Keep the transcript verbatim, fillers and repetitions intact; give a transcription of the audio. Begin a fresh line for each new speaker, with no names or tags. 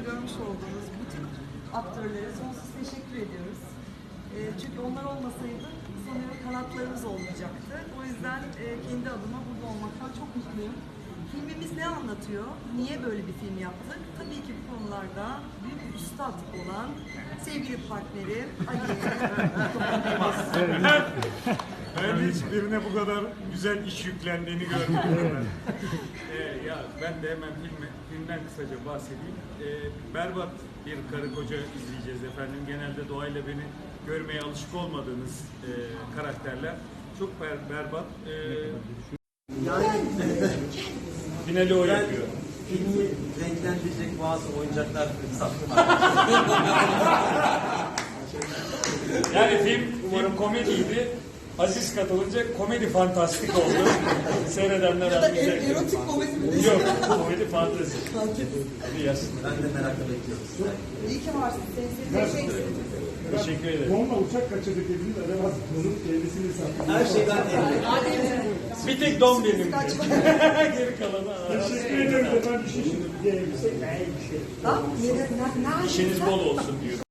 görmüş olduğunuz bütün aktörlere sonsuz teşekkür ediyoruz. E, çünkü onlar olmasaydı sanıyorum kanatlarımız olmayacaktı. O yüzden e, kendi adıma burada olmaktan çok mutluyum. Filmimiz ne anlatıyor? Niye böyle bir film yaptık? Tabii ki bu konularda büyük bir üstad olan sevgili partnerim Ali'ye.
Ben hiç birine bu kadar güzel iş yüklendiğini görmedim. ee, ya ben de hemen filme, filmden kısaca bahsedeyim. Ee, berbat bir karı koca izleyeceğiz efendim. Genelde doğayla beni görmeye alışık olmadığınız e, karakterler. Çok ber, berbat. Ee,
Yani
finali o
ben
yapıyor.
filmi renklendirecek bazı oyuncaklar sattım.
Yani film, film komediydi. Aziz katılınca komedi fantastik oldu. Seyredenler
Ya da
anlayacak.
erotik komedi mi?
Yok, komedi fantezi. Hadi yazsın.
Ben de merakla bekliyorum.
İyi ki varsın. Seni seveceksiniz.
Teşekkür ederim.
Onunla uçak kaçırdık dediniz, acaba bunun kendisini sattı.
Her şeyden evli.
Bir tek don benim. Geri kalanı.
Teşekkür ederim efendim. Bir şey şimdi. Bir elbise, bir şey.
Bak, ne, ne, ne,
İşiniz bol olsun diyorum.